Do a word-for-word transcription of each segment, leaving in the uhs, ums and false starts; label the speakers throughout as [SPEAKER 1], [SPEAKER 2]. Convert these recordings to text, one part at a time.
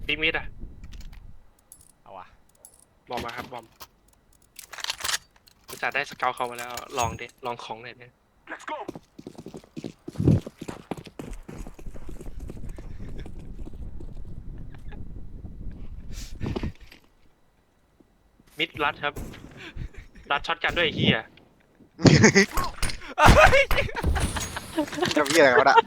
[SPEAKER 1] ปีมิดอะ
[SPEAKER 2] เอาวะ
[SPEAKER 1] บอมมาครับบอมจะได้สเกลเขามาแล้วลองดิลองของหน่อยเนี่ย Let's go มิดรัดครับรัดช็อตกันด้วยไอ้เฮีย
[SPEAKER 3] จะมีอะไรกันวะน่ะ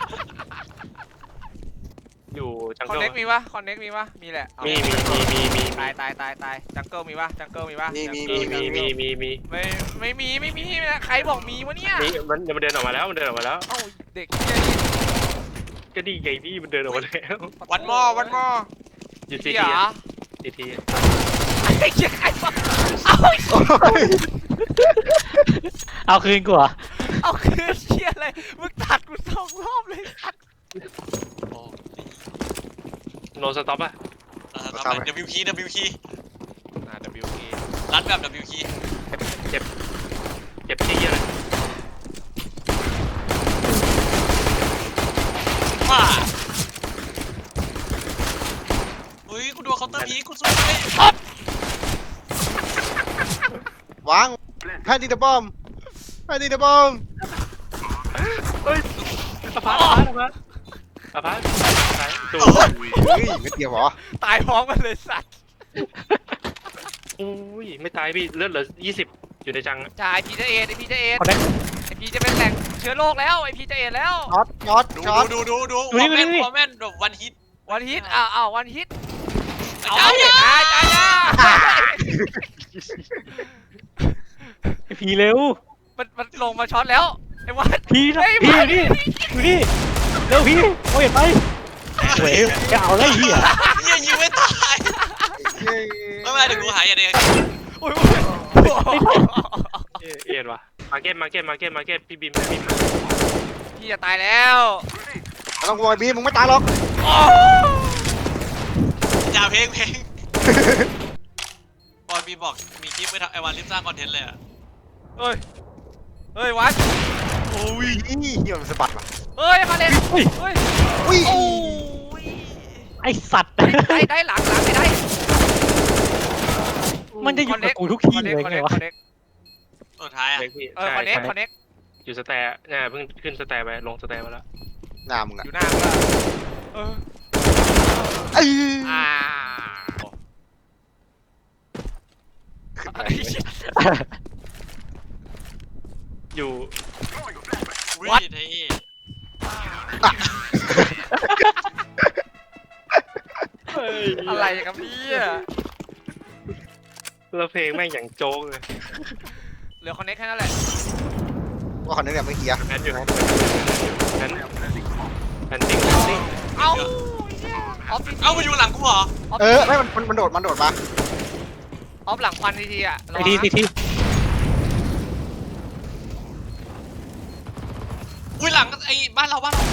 [SPEAKER 1] อยู่จัง
[SPEAKER 2] คอน
[SPEAKER 1] เกิล
[SPEAKER 2] เน็กมีปะคอนเน็กมีปะมีแหละเอา
[SPEAKER 1] มีมีมีมีมี
[SPEAKER 2] ตายตายตายตายจังเกิลมีปะจังเกิลมีปะ
[SPEAKER 3] มีมี
[SPEAKER 1] มีมีมีมีมี
[SPEAKER 2] ไม่ไม่มีไม่มีใครบอกมีวะเนี่ย
[SPEAKER 1] มีมันมันเดินออกมาแล้วมันเดินออกมาแล้ว
[SPEAKER 2] เอ้าเด็กเหี้ยนี่
[SPEAKER 1] ก็ดีไงพี่มันเดินออกมาแล้ว
[SPEAKER 2] วันมอวันมอ
[SPEAKER 1] อยู่ซี
[SPEAKER 2] เหี้
[SPEAKER 1] ที
[SPEAKER 2] ย
[SPEAKER 1] ซีที
[SPEAKER 2] ไอ้เหี้ยใครวะเอา
[SPEAKER 4] เอาคืนกูเหรอ
[SPEAKER 2] เอาคือเชี่ยอะไรมึงตัดกูสองรอบเลยตัด
[SPEAKER 5] โอ้
[SPEAKER 1] โนสต็อปอะ
[SPEAKER 5] เออทำอะไร W P W P
[SPEAKER 2] อ่า W K
[SPEAKER 5] รัดแบบ W P
[SPEAKER 1] เจ็บเจ็บที่เยอะเลย
[SPEAKER 5] ว้าอุ้ยกูโดนเคาน์เตอร์พีกูสู้ไม่
[SPEAKER 3] วางแพนดิเดบอมแพนดิเดบอม
[SPEAKER 1] เฮ้ยอพาร์ตอพาร์ตอพาร์ตอพาร์ตไหนตัว
[SPEAKER 3] เฮ้ยไม่เกี่ยวเหรอ
[SPEAKER 2] ตายพร้อมกันเลยสัตว์
[SPEAKER 1] อุ้ยไม่ตายพี่เลือดเหลือยี่สิบอยู่ในจัง
[SPEAKER 2] จ่าไอพีจะเอ็ดไอพีจะเอ็ด
[SPEAKER 4] คอนเน็ก
[SPEAKER 2] ไอพีจะเป็นแหล่งเชื้อโรคแล้วไอพีจะเอ็ดแล้ว
[SPEAKER 3] ช็อตช็อต
[SPEAKER 5] ดู
[SPEAKER 3] ช็อต
[SPEAKER 5] ดูดูดูดูวอร์แมนวอร์แมนแบบวันฮิต
[SPEAKER 2] วันฮิตอ้าวอ้าววันฮิตเอา
[SPEAKER 5] จ้า
[SPEAKER 2] ดิจ่าจ่าจ่า
[SPEAKER 4] ไอ้ผีเร็ว
[SPEAKER 2] มันมันลงมาช็อตแล้วไอ้วัด
[SPEAKER 4] ผีนะ
[SPEAKER 2] เฮ้ย
[SPEAKER 4] ผี
[SPEAKER 2] วั
[SPEAKER 4] อ
[SPEAKER 2] ด
[SPEAKER 4] ยู่นี่อยู่นี่เร็วผีโอ้ยเห็นไหมเฮ้ยจะเอาอะไรเหี้ย
[SPEAKER 5] เหี้ยยิงไม่ตาย
[SPEAKER 3] เย้
[SPEAKER 5] ไม่เป็นไรเดี๋ยวกูหายอย่างเดียว
[SPEAKER 2] โอ้ย
[SPEAKER 1] เอยเอ็ดวะมาเก็ตมาเก็ตมาเก็ตมาเก็ตพี่บิมพี่บิม
[SPEAKER 2] พี่จะตายแล้ว
[SPEAKER 3] ไม่ต้องกลัวไอ้บีมึงไม่ตายหรอก
[SPEAKER 2] โอ้
[SPEAKER 5] อย่าเพลงเพลงบอลบีบอกมีคลิปไปทำไอวันรีบสร้างคอนเทนต์เลยอะ
[SPEAKER 2] เฮ้ยเฮ้ยวัด
[SPEAKER 3] โอ้ยเหี้ยมันสะบัดว่ะ
[SPEAKER 2] เฮ้ยมาเล่น
[SPEAKER 4] เฮ้ย
[SPEAKER 2] เฮ้ย
[SPEAKER 3] อุ้ย
[SPEAKER 2] โอ้ย
[SPEAKER 4] ไอสัตว์
[SPEAKER 2] ได้ได้หลังหลังไม่ได้
[SPEAKER 4] มันจะอยู่กับกูทุกทีเลยไงวะ
[SPEAKER 2] คอนเน็ก
[SPEAKER 5] สุดท้ายอะ
[SPEAKER 1] เล็กพี่
[SPEAKER 2] เออคอนเน็กคอนเน็ก
[SPEAKER 1] อยู่สแตร์เนี่ยเพิ่งขึ้นสแตร์ไปลงสแตร์มาแล้ว
[SPEAKER 3] หน้ามึง
[SPEAKER 2] อ
[SPEAKER 3] อะ
[SPEAKER 2] ยู่หน้ามึงอะเออ
[SPEAKER 3] ไอ้
[SPEAKER 2] อ้าว
[SPEAKER 3] ขึ้นไป
[SPEAKER 1] อยู่
[SPEAKER 5] อุ้ยเท่
[SPEAKER 1] เฮ้ย
[SPEAKER 2] อะไรกับพี่อะ
[SPEAKER 1] แล้วเพลงแม่งอย่างโจ๊กเลย
[SPEAKER 2] เหลือคอนเน็กแค่นั้นแหละ
[SPEAKER 3] ว่าคนนี้เนี่ยไม่เกียร์
[SPEAKER 1] แพนอยู่นั้นแพนแพนดิ้งแพนดิ้ง
[SPEAKER 2] เอ้าออฟที
[SPEAKER 5] เอ้ามาอยู่หลังกูเหรอ
[SPEAKER 3] เออไม่มันมันมันโดดมันโดดมา
[SPEAKER 2] ออฟหลังควันทีทีอะ
[SPEAKER 4] ไอทีทีที
[SPEAKER 5] อุ้ยหลังไอ้บ้านเราบ้านเรา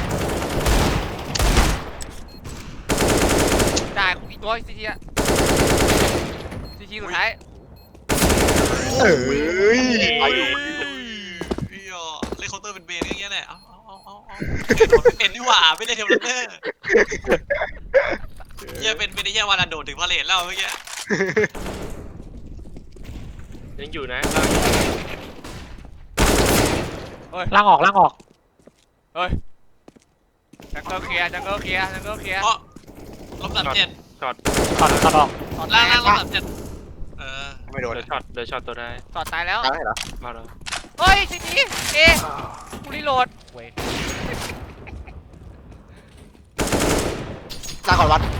[SPEAKER 2] ได้อีกตัวทีทีอะทีทีสุดท้าย
[SPEAKER 3] เอ้ยไปอยู่
[SPEAKER 5] เฮียเล่นเคาน์เตอร์เป็นเบนอย่างเงี้ยแหละเอาเอาเอาเอาเอาเป็นนี่หว่าไม่ได้เทมเลเตอร์เฮียเป็นเป็นไอ้เฮียวันละโดดถึงพาเลทแล้วเมื่อกี้
[SPEAKER 1] ยังอยู่นะ
[SPEAKER 4] ล่างออกล่างออก
[SPEAKER 2] จังเกิลเคลียร์จังเกิลเคลียร์จังเกิลเคลียร์
[SPEAKER 5] เพราะลบสามเจ็ด
[SPEAKER 1] ช็อต
[SPEAKER 4] ถอดถอดออก
[SPEAKER 2] ต่อ
[SPEAKER 5] ล่า
[SPEAKER 2] ตาง ย
[SPEAKER 5] ล่างลบสามเจ็ดเออ
[SPEAKER 3] ไม่โดน
[SPEAKER 1] เดือช็อตเดือช็อตตัวได้
[SPEAKER 2] ต่อตายแล้ว
[SPEAKER 3] ตายเหรอ
[SPEAKER 1] เอาแล้ว
[SPEAKER 2] เฮ้ยทีทีเอกูรีโหลดเว้ย
[SPEAKER 3] ลาก่อนวัด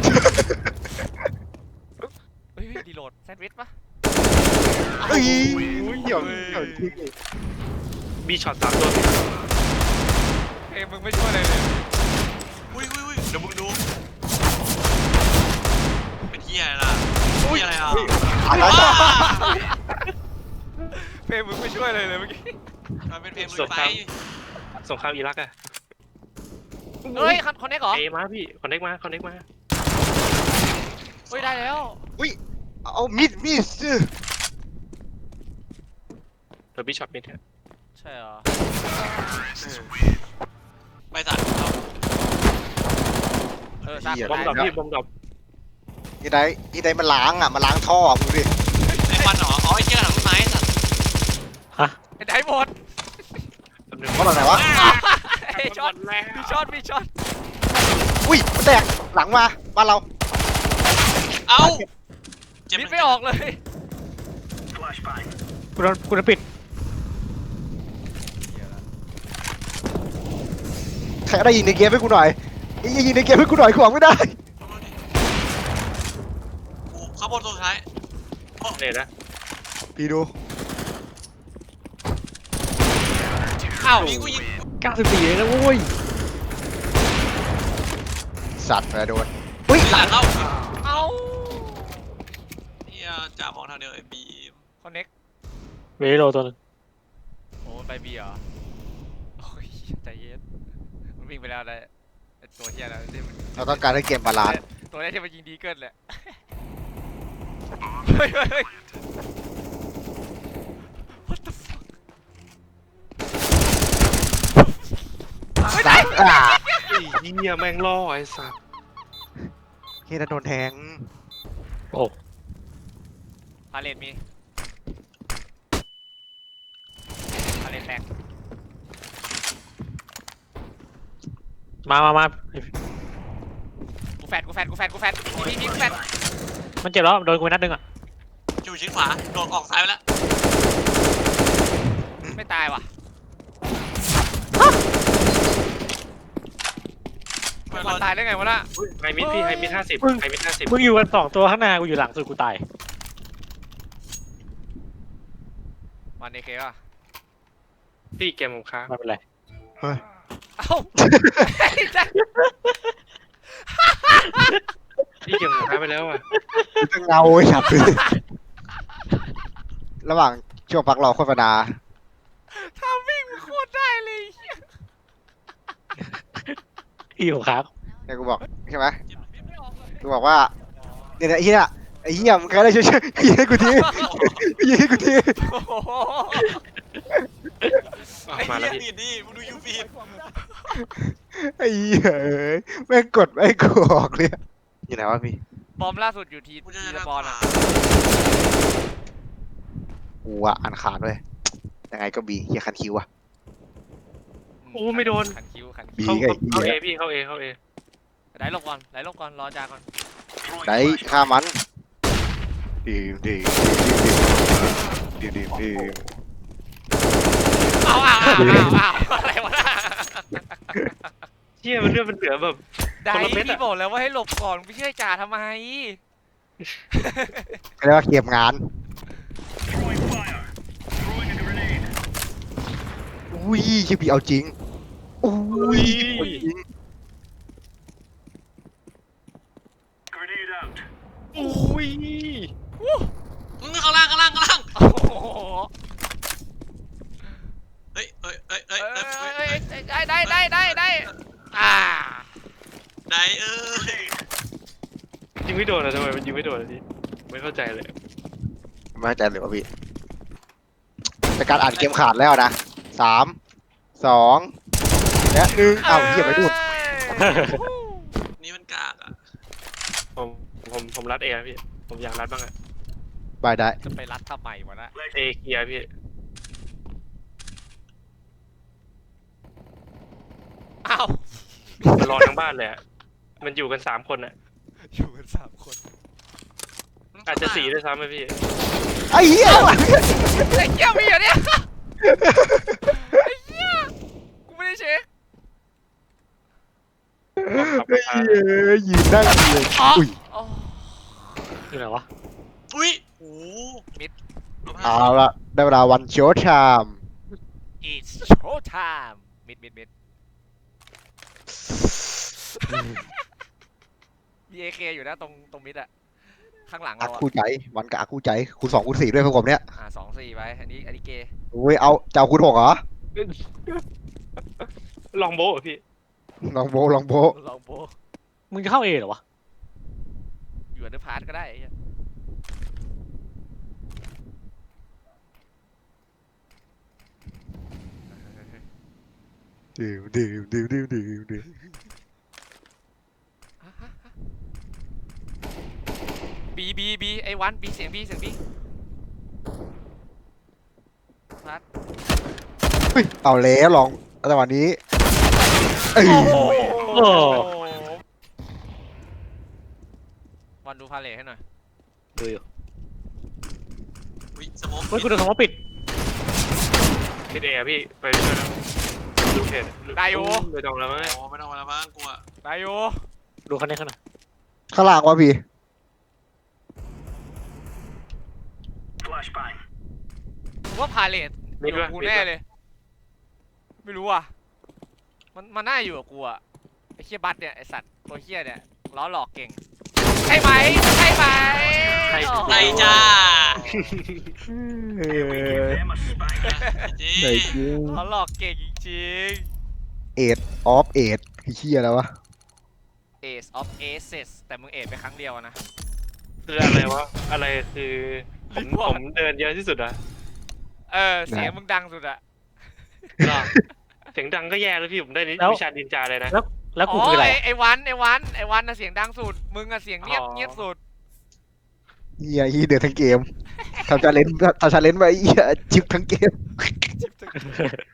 [SPEAKER 2] เฮ้ยรีโหลดแซนด์วิชปะ
[SPEAKER 3] เฮ้ยเหี่ยวเหี่ยวจริง
[SPEAKER 1] บีช็อตสามตัวติด
[SPEAKER 2] เอ้ยมึงไม่ช่วยอะไรเลย
[SPEAKER 5] อุ้ยอุ้ยอุ้ยเดี๋ยวมึงดูเป็นเฮียอะไรล่ะเฮียอะไรอ่ะ
[SPEAKER 3] ตายแล้ว
[SPEAKER 5] ว้า
[SPEAKER 2] เฟรมมึงไม่ช่วยอะไรเลยเมื่อกี้
[SPEAKER 5] มันเป็นเพลงลุยไฟ
[SPEAKER 1] สงครามอิรักอะ
[SPEAKER 2] เฮ้ยคอนเน็กเหรอ
[SPEAKER 1] เอมาพี่คอนเน็กมาคอนเน็กมา
[SPEAKER 2] เฮ้ยได้แล้ว
[SPEAKER 3] เอามิดมิด
[SPEAKER 1] เดี๋ยวบีช็อตมิดฮะ
[SPEAKER 2] ใช่เหรอ
[SPEAKER 5] ไปสัตว์
[SPEAKER 2] เออซาก
[SPEAKER 1] บอมดรอป
[SPEAKER 2] ได้
[SPEAKER 1] พี่บอมดรอป
[SPEAKER 3] ยี่ไดยี่ไดมันล้างอ่ะมันล้างท่อมึงดิ
[SPEAKER 5] ไอ้ควันเหรออ๋อไอ้เชี่ยหลังต้นไม้สัตว์
[SPEAKER 2] ไอ้ไหนหมด
[SPEAKER 1] แป๊บนึง
[SPEAKER 3] เขาหลังไหนวะ
[SPEAKER 2] ไอ้ช็อต
[SPEAKER 1] แล้
[SPEAKER 2] มีช็อตมีช็อต
[SPEAKER 3] อุ้ยมันแตกหลังมาบ้านเรา
[SPEAKER 5] เอ้าเจ็บ
[SPEAKER 2] มิดไม่ออกเลย
[SPEAKER 4] กูโดนกูโดนปิด
[SPEAKER 3] ใครได้ยิงในเกมให้กูหน่อยยิงยิงในเกมให้กูหน่อยกูหวังไม่ได้
[SPEAKER 5] กูข้างบนตัวสุดท้าย
[SPEAKER 1] เนี่ยนะ
[SPEAKER 3] พี่ดู
[SPEAKER 2] อ้าว
[SPEAKER 5] ยิงกูยิง
[SPEAKER 4] เก้าสิบสี่เลยนะโว้ย
[SPEAKER 3] สัตว์ไปโดนอุ้ย
[SPEAKER 5] หลังเข้า
[SPEAKER 2] เอ้า
[SPEAKER 5] เฮียจ่ามองทางเดียวไอ้บีม
[SPEAKER 2] คอนเน็ก
[SPEAKER 4] เวโรตัวนึง
[SPEAKER 2] โอ้ไปบีเหรอโอ้ยใจเย็นมันวิ่งไปแล้วเลยไอ้ตัวเฮียแล้วที่มัน
[SPEAKER 3] เราต้องการให้เกมบาลานซ์
[SPEAKER 2] ตัวแรกที่มันยิงดีเกินแหละเฮ้ยเฮ้ยเฮ้ย What the fuck
[SPEAKER 3] สัตว์อ่ะ
[SPEAKER 1] ไอ้เหี้ยแม่งล่อไอ้สัส
[SPEAKER 3] เฮียโดนแทง
[SPEAKER 4] โอ้
[SPEAKER 2] พาเลนมีพาเลนแตก
[SPEAKER 4] มามามา
[SPEAKER 2] กูแฟดกูแฟดกูแฟดกูแฟดพี่พี่กูแฟด
[SPEAKER 4] มันเจ็บแล้วโดนกูไปนัดนึงอ่ะ
[SPEAKER 5] อยู่ชิ้นขวาโดดออกซ้ายไปแล้ว
[SPEAKER 2] ไม่ตายว่ะ
[SPEAKER 5] ไม่
[SPEAKER 2] มันตายได้ไงวะน่ะ
[SPEAKER 1] ไฮมิดพี่ไฮมิดห้าสิบไฮมิดห้าสิบ
[SPEAKER 4] มึงอยู่กันสองตัวข้างหน้ากูอยู่หลังสุดกูตาย
[SPEAKER 2] มันเอเคป่ะ
[SPEAKER 1] พี่เกมผมค้าง
[SPEAKER 4] ไม่เป็นไร
[SPEAKER 3] เฮ้ย
[SPEAKER 2] เอ้าไอ้แจ็ค
[SPEAKER 1] พี่เกมผมค้างไปแล้วอ่ะ
[SPEAKER 3] จะเงาไอ้สัตว์ระหว่างช่วงพักรอโฆษณา
[SPEAKER 2] ทำวิ่งมันโคตรได้เลย
[SPEAKER 4] อีของครับ
[SPEAKER 3] เนี่ยกูบอกใช่ไหม
[SPEAKER 2] ไม่ออกเลย
[SPEAKER 3] กูบอกว่าเนี่ยไอ้เหี้ยไอ้เหี้ยมึงใครได้ช่วยช่วยยิงให้กูทียิงให้กูที
[SPEAKER 2] โอ้โห
[SPEAKER 1] อ่ะ
[SPEAKER 5] ไอ้
[SPEAKER 1] มา
[SPEAKER 5] เหี้
[SPEAKER 1] แล้ว
[SPEAKER 5] ย
[SPEAKER 1] พี่
[SPEAKER 5] บีดดิมึงดูยูบีด
[SPEAKER 3] ไอ้เหี้ยเอ้ยแม่งกดไม่กูออกเลยอยู่ไหนวะพี่
[SPEAKER 2] บอมล่าสุดอยู่ที
[SPEAKER 5] กูจะ
[SPEAKER 2] ที
[SPEAKER 5] จะ
[SPEAKER 2] ละ
[SPEAKER 5] ทำ
[SPEAKER 2] บอลอ่ะ
[SPEAKER 3] กูอะอ่านขาดด้วยยังไงก็บีเหี้ยคันคิวอะ
[SPEAKER 1] โอ้ไม่โดน
[SPEAKER 2] ขันคิ้วขัน
[SPEAKER 3] บี
[SPEAKER 2] คิ้ว
[SPEAKER 1] เข้า
[SPEAKER 3] ไอ้เหี้
[SPEAKER 1] เข้าย เอพี่เข้าเอเข้าเอ
[SPEAKER 2] ไหลลงก่อนไหลลงก่อนรอจาก่อน
[SPEAKER 3] ได้ฆ่ามันดีดีดีดีดี
[SPEAKER 2] อ้าวอ้าวอ้าวอ้าวอะไรวะน่ะ
[SPEAKER 1] เชี่ยมันเลือดมันเหลือแบบ
[SPEAKER 2] ได้
[SPEAKER 1] คนละเม็ดอะ
[SPEAKER 2] พี่บอกแล้วว่าให้หลบก่อนไม่เชื่อจ่าทำไม
[SPEAKER 3] เรียกว่าเก็บงานอุ้ยชิบีเอาจริงอุ้ยจริง
[SPEAKER 1] อุ้ย
[SPEAKER 5] มึงข้างล่างข้างล่างข้างล่าง
[SPEAKER 2] โอ้โห
[SPEAKER 5] เฮ้ยเฮ้ยเฮ้ยเฮ้
[SPEAKER 2] เอ้
[SPEAKER 5] ย
[SPEAKER 2] ย
[SPEAKER 5] เฮ้ย
[SPEAKER 2] เอ้
[SPEAKER 5] เฮ้
[SPEAKER 2] ย
[SPEAKER 5] ย
[SPEAKER 2] เอ้ยได้ได้ได้ได้ได้อ่า
[SPEAKER 5] ได้เอ้ย
[SPEAKER 1] ยิงไม่โดนอะทำไมมันยิงไม่โดนอะพี่ไม่เข้าใจเลย
[SPEAKER 3] ไม่เข้าใจเลยว่าพี่แต่การอ่านเกมขาดแล้วนะสามสองและหนึ่งอ้าวเหี้ยไปดู
[SPEAKER 5] นี่มันกากอ่ะ
[SPEAKER 1] ผมผมผมรัดเอพี่ผมอยากรัดบ้างอะ
[SPEAKER 3] บายได้
[SPEAKER 2] จะไปรัดทำไมวะน่ะ
[SPEAKER 1] เอเคลียร์พี่
[SPEAKER 2] อ้าว
[SPEAKER 1] มันรอทั้งบ้านเลยอะมันอยู่กันสามคนอะ
[SPEAKER 2] อยู่กันสามคน
[SPEAKER 1] อาจจะสี่ด้วยซ้ำไหมพี่
[SPEAKER 3] ไอ้เหี้ย
[SPEAKER 2] ไอ้เหี้ยมีเหรอเนี่ยไอ้เหี้ยกูไม่ได้เช็ค
[SPEAKER 3] ไอ้เหี้ยยืนนั่งเลยอุ้ย
[SPEAKER 2] อ๋อ
[SPEAKER 4] อยู่ไหนวะ
[SPEAKER 5] อุ้ยโอ้มิด
[SPEAKER 3] เอาละได้เวลาวันโชว์ไทม์
[SPEAKER 2] it's show time มิดมิดมิดมีเอเคอยู่นะตรงตรงมิดอะข้างหลัง
[SPEAKER 3] อา
[SPEAKER 2] เราอะ
[SPEAKER 3] คู่ใจวันกับอาคู่ใจคูณสองคูณสี่ด้วยพวกผมเนี้ย
[SPEAKER 2] อ่าสองสี่ไปอันนี้อันนี้เกย์
[SPEAKER 3] อุ้ยเอาเจ้าคูณหกเหรอ
[SPEAKER 1] ลองโบะเหรอพี่
[SPEAKER 3] ลองโบลองโบ
[SPEAKER 2] ลองโบ
[SPEAKER 4] มึงจะเข้าเอเหรอวะ
[SPEAKER 2] อยู่อันเดอร์พาร์ทก็ได้ไอ้เหี้ย
[SPEAKER 3] ดื่มดื่มดื่มดื่มดื่มดื่ม
[SPEAKER 2] วันบีเสียงบีเสียงบีพัด
[SPEAKER 3] เฮ้ยเอาแล้วลองจังหวะนี้เอ้ย
[SPEAKER 4] โอ้
[SPEAKER 2] วันดูพาเลทให้หน่อย
[SPEAKER 4] ดูอยู่
[SPEAKER 5] อุ้ยสโมก
[SPEAKER 4] เฮ้ยคุณโดนสมองปิด
[SPEAKER 1] พี่เอพี่ไปด้วยนะดูเพจไปตรงแล้วมั้ง
[SPEAKER 5] โอ้ไม่ต้องมาแล้วมั้งกูอะ
[SPEAKER 2] ได้อยู่
[SPEAKER 4] ดูคันนี้ข้างหน้า
[SPEAKER 3] ข้างล่างวะพี่
[SPEAKER 2] ผมว่าพาเลทอยู่กับกูแน่เลย ไม่รู้อ่ะมันมันน่าอยู่กับกูอ่ะไอ้เคียบัตเนี่ยไอสัตว์ตัวเคียเนี่ยล้อหลอกเก่งใช่ไหมใช่ไหม
[SPEAKER 5] ไหนจ้า
[SPEAKER 3] เออ
[SPEAKER 5] จี
[SPEAKER 3] ไหนจริง
[SPEAKER 2] ล้อหลอกเก่งจริง
[SPEAKER 3] เอ็ดออฟเอ็ดไอ้เหี้ยแล้ววะ
[SPEAKER 2] ๆ Ace of Aces แต่มึงเอทไปครั้งเดียวอะนะ
[SPEAKER 1] คืออะไรวะอะไรคือผมผมเดินเยอะที่สุดอะ
[SPEAKER 2] เออเสียงมึงดังสุดอะ
[SPEAKER 1] เสียงดังก็แย่แล้วพี่ผมได้วิชาดินจาเลยนะ
[SPEAKER 4] แล้วกู
[SPEAKER 2] อ๋อ
[SPEAKER 4] คืออะไร
[SPEAKER 2] ไอไอวันไอวันไอวันน่ะเสียงดังสุดมึงอะเสียงเงียบเงียบสุด
[SPEAKER 3] เหี้ยยี่เดือดทั้งเกมทำชาเลนจ์ทำชาเลนจ์ไปเหี้ยจิบทั้งเกม
[SPEAKER 2] จิ๊บ